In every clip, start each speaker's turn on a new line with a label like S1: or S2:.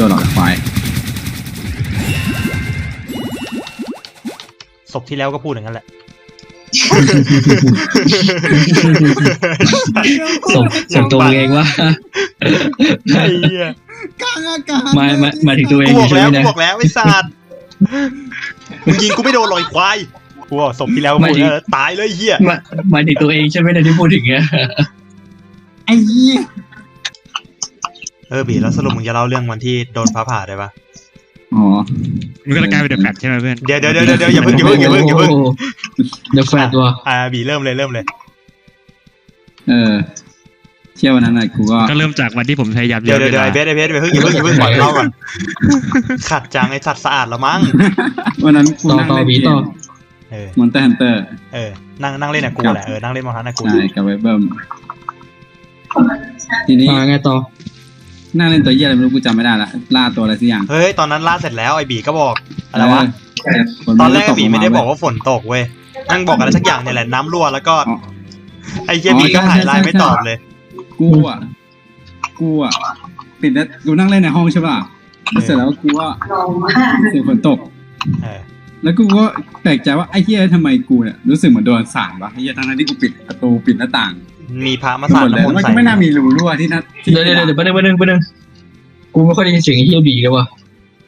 S1: นหรอกควาย
S2: ศพที่แล้วก็พูดอย่างนั้นแหละ
S3: ส่งตัวเองว่า
S2: ไอ้เหี้ย
S1: กลางอากาศ
S3: มาถึงตัวเอง
S2: กูบอก
S3: ใช่
S2: แล้ว
S3: ไหม
S2: กู
S3: นะ
S2: บอกแล้วไอ้สัตว์มึงยิงกูไม่โดนลอยควายกูบอกศพที่แล้วก็พูดแล้วตายเลยไอ้เหี้ย
S3: มาถึงตัวเองใช่ไหมนะที่พูดถึงเนี้ย
S1: ไอ้เหี้ย
S2: บีแล้วสรุปมึงจะเล่าเรื่องวันที่โดนฟ้าผ่าได้ปะ
S1: อ๋อ
S4: มันก็จะกลายเป็นเดอะแฟตใช่ไหมเพื่อน
S2: เดี๋ยวอย่าเพิ่ง
S3: เดี๋ยวแฟดว่ะ
S2: บีเริ่มเลย
S1: เที่ยววันนั้นกูก็
S4: ก็เริ่มจากวันที่ผมพยายาม
S2: เดี๋ยว
S4: วลา
S2: ไอ้เบสอย่าเพิ่งก่อนเล่าก่อนขัดจังไอ้สัตว์สะอาดแล้วมั้ง
S1: วันนั้นกู
S3: ต่อ
S1: นั่ง
S3: ต่อ
S1: เล่น
S3: บี
S1: เก
S3: ต่อ
S1: ม
S2: เออ
S1: มอนเตอร์ฮันเตอร์
S2: นั่งเล่นกับกูแหละนั่งเล่นมอฮันกับกู
S1: ใช่กับไวเบิร์มทีนี้
S3: ไงต่อ
S1: นั่งเล่นตัวเหี้ยอะไรไม่รู้กูจำไม่ได้ละล่าตัวอะไรสักอย่าง
S2: เฮ้ยตอนนั้นล่าเสร็จแล้วไอ้บีก็บอกอะไรวะ
S1: ฝน
S2: ตอนแรก
S1: ต
S2: บีไม่ได้บอก
S1: ลง
S2: ว่าฝนตกเว้ยนั่งบอกอะไรสักอย่างเนี่ยแหละน้ำรั่วแล้วก็
S1: อ๋อ
S2: ไอ้เหี้ยบีก็หายไลน์ไม่ตอบเลย
S1: กูอ่ะปิดแล้วกูนั่งเล่นในห้องใช่ป่ะแล้วเสร็จแล้วกูว่าเสียงฝนตก
S2: เออ
S1: แล้วกูก็แปลกใจว่าไอ้เหี้ยทำไมกูเนี่ยรู้สึกเหมือนโดนสาดวะไอ้เหี้ยทั้งที่กูปิดประตูปิดหน้าต่าง
S2: มีพระมา
S1: ห
S2: สาด
S1: มดเลย
S2: น้ำมน
S1: มัน
S2: ต์
S1: ก็
S2: ใส่
S1: ไม่น่ามีรูรั่วที่นั่นที่
S3: เดี๋ยวประเด็นกูไม่ค่อยได้ยินเสียงไอ้เฮียบีเลยว่ะ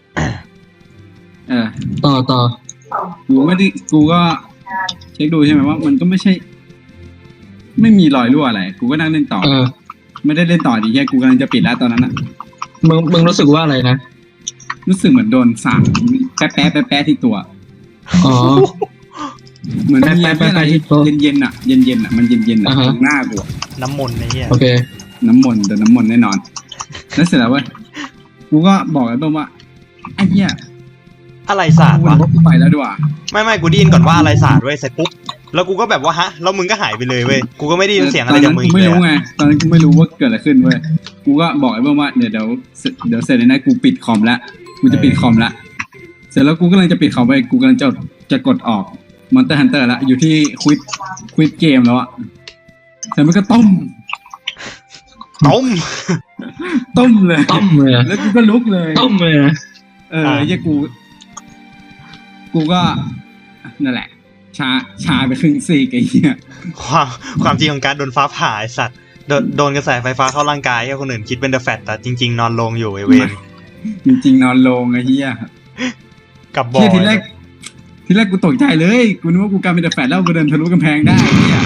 S3: ต่อ
S1: กูก็เช็คดูใช่ไหมว่ามันก็ไม่ใช่ ไม่มีรอยรั่วอะไรกูก็นั่งเล่นต่อ ไม่ได้เล่นต่อดีแค่กูกำลังจะปิดแล้วตอนนั้นอ่ะ
S3: มึงรู้สึกว่าอะไรนะ
S1: รู้สึกเหมือนโดนสาดแป๊ะที่ตัว
S3: อ๋อ
S1: เหมือนมี
S3: แป๊ะ
S1: อะไร
S3: ที่ตัว
S1: เย็นๆอ่ะเย็นๆอ่ะมันเย็นๆอ่ะ
S3: อ่าฮะ
S1: ตรงหน้ากูอะ
S2: น้ำมนต์ไอ้เหี้ย
S3: โอเค
S1: น้ำมนต์แน่นอน แล้วเสร็จแล้วเว้ยกูก็บอกไอ้เบิ้มว่าไอ้เหี้ย
S2: อะไรสาด
S1: กู
S2: วะ
S1: ว่ากูไปแล้วดีกว่า
S2: ไม่กูได้ยินก่อนว่าอะไรสาดเว้ยเสร็จปุ๊บแล้วกูก็แบบว่าฮะแล้วมึงก็หายไปเลยเว้ยกูก็ไม่ได้ยินเสียงอะไรจากมึง
S1: ตอนนั้นกู
S2: อีก
S1: ไม่
S2: เลย
S1: รู้
S2: อะ
S1: ไงตอนนั้นกูไม่รู้ว่าเกิดอะไรขึ้นเว้ยกูก็บอกไอ้เบิ้มว่าเดี๋ยวเสร็จเลยนะกูปิดคอมแล้วกูจะปิดคอมแล้วเสร็จแล้วกูกำลังจะปิดคอมไปกูกำลังจะกดออกมอนเตอร์ฮันเตอร์แล้วอยู่ที่ควิดเกมแล้วอะแต่มันก็ต้ม
S2: ต้ม
S1: เลย
S3: ต้มเลยอะ
S1: แล้วกูก็ลุกเลย
S3: ต้มเลยนะ
S1: ไอ้เหี้ยกูก็นั่นแหละชาไปครึ่งซีกไอ้เหี้ย
S2: ความจริงของการโดนฟ้าผ่าไอ้สัตว์โดนกระแสไฟฟ้าเข้าร่างกายให้คนอื่นคิดเป็นเดอะแฟตแต่จริงๆนอนลงอยู่ไอ้เวน
S1: จริงๆนอนลงไอ้เหี้ย
S2: กับบอ
S1: เหี้
S2: ย
S1: ยทีแรกกูตกใจเลยกูนึกว่ากูกลายเป็นเดอะแฟตแล้วกูเดินทะลุกำแพงได้ไอ้เหี้ย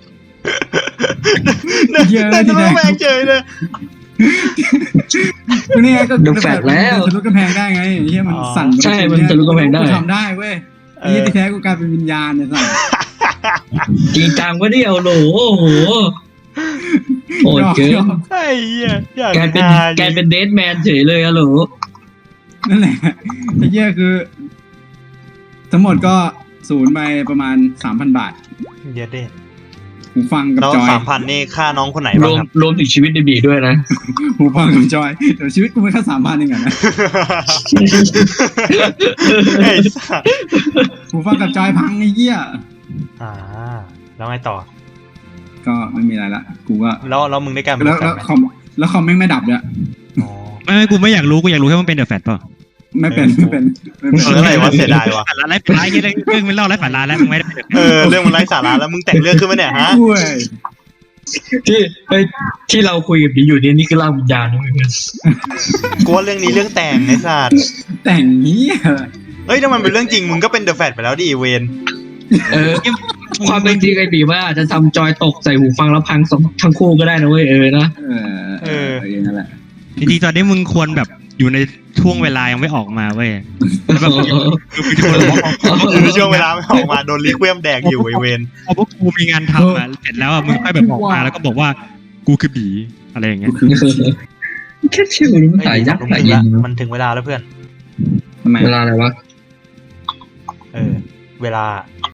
S1: เหี้ย
S2: แต่
S1: ที
S2: จะ
S1: แร
S2: ไม่
S1: ก
S2: แพงเฉยเลย
S1: กูเนี่ยก็
S3: เดอะแฟตแล้ว
S1: ทะลุกำแพงได้ไงไอ้เหี้ยมันสั่น
S3: ใช่มันทะลุกำแพงได้
S1: กูทำได้เว้ยไอ้เหี้ยที่แท้กูกลายเป็นวิญญาณเนี่ยสั่น
S3: จริงจังวะเนี่ยโหลโอ้โหโหดเกิน
S2: ไอ้เหี้ยอยาก
S3: กลายเป็นเดดแมนเฉยเลยอะโหล
S1: นั่นแหละไอ้เหี้ยคือ ทั้งหมดก็ศูนย์ไปประมาณ 3,000 บาท
S2: เดี๋ยวเด็ด
S1: หูฟังกับ
S2: แล้ว
S1: จอย
S2: 3,000นี่ค่าน้องคนไหน
S3: ร
S2: บ้าง
S3: วม
S2: ครับ
S3: รวมถึงชีวิตในบีด้วยนะ
S1: หูฟังกับจอยเดี๋ยวชีวิตกูไม่แค่3,000เองอะนะ
S2: ไอ้สัส
S1: หูฟังกับจอยพังไอ้เหี้ย
S2: แล้วไงต่อ
S1: ก็ไม่มีอะไรละกูก็
S2: แล้วมึงได้กลายเป็น
S1: แล้ว
S2: แฟนไหม
S1: คอมแม่งไม่ดับเนี่ย
S2: อ๋อ
S4: ไม่กูไม่อยากรู้กูอยากรู้แค่ว่ามันเป็นเดอะแฟตเปล่า
S1: ไม่เป็น
S2: อะไรวะเสียดายวะ
S4: ฝันร้ายไร้ฝันร้ายเรื่องมันเล่าไร้ฝันร้ายแล้วมึงไม่ได้เป็นเดอะแฟต
S2: เรื่องมันไร้สาระแล้วมึงแต่งเรื่องขึ้นมาเนี่ยฮะ
S1: กล้วย
S3: ที่เราคุยกับบีอยู่เนี่ยนี่คือร่างวิญญาณนะเพื่อน
S2: กูว่าเรื่องนี้เรื่องแต่งไอ้สัส
S1: แต่งเหี้ย
S2: เฮ้ยถ้ามันเป็นเรื่องจริงมึงก็เป็นเดอะแฟตไปแล้วดิเวน
S3: ความเป็นจริงไอ้บีว่าอาจจะทำจอยตกใส่หูฟังแล้วพังทั้งคู่ก็ได้นะเว้ยนะ
S1: นั่นแหละ
S4: จริงๆตอนนี้มึงควรแบบอยู่ในช่วงเวลายังไม่ออกมาเว้ยแล้วแบบ
S2: อยู่ในช่วงเวลาไม่ออกมาโดนลิคเวียมแดกอยู่ไอเวน
S4: พอพวกกูมีงานทำเสร็จแล้วมึงค่อยแบบออกมาแล้วก็บอกว่ากูคือบีอะไรอย่างเงี้ย
S3: แค่ชื่อมันตายยักษ์ตายเย็น
S2: มันถึงเวลาแล้วเพื่อน
S1: ทำไม
S3: เวลาอะไรวะ
S2: เวลา